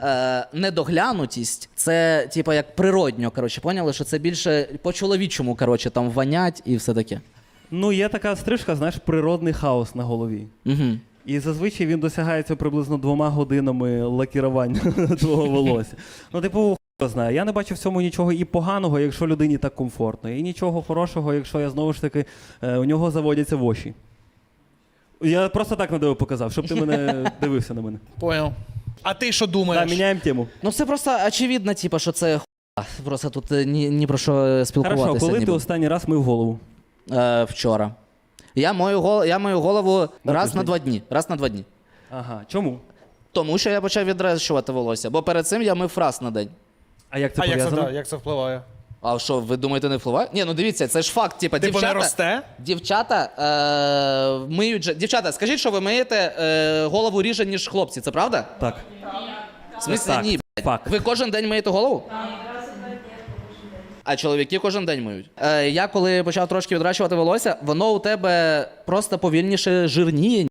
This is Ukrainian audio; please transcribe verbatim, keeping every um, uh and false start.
е, недоглянутість, це, типу, як природньо, коротше, поняли, що це більше по-чоловічому, коротше, там вонять і все таке. Ну, є така стрижка, знаєш, природний хаос на голові. Угу. І зазвичай він досягається приблизно двома годинами лакірування твого волосся. Ну, типу, хто знає. Я не бачу в цьому нічого і поганого, якщо людині так комфортно. І нічого хорошого, якщо я знову ж таки, е, у нього заводяться воші. Я просто так на диво показав, щоб ти мене дивився на мене. Понял. А ти що думаєш? Так, міняємо тему. Ну це просто очевидно, типу, що це хуйня. Просто тут ні, ні про що спілкуватися. Хорошо, коли ти ніби. останній раз мив голову? Е, вчора. Я мою, гол... я мою голову На раз тиждень. на два дні. Раз на два дні. Ага, чому? Тому що я почав відрощувати волосся, бо перед цим я мив раз на день. А як це А як це, пов'язано? да, як це впливає? А що, ви думаєте, не впливає? Ні, ну дивіться, це ж факт. Типа, Типу дівчата, не росте? Дівчата е, миють же. Дівчата, скажіть, що ви миєте е, голову ріже, ніж хлопці, це правда? Так. В смислі, Так, ні, блядь. факт. Ви кожен день миєте голову? А чоловіки кожен день миють. Е, я коли почав трошки відращувати волосся, воно у тебе просто повільніше жирніє.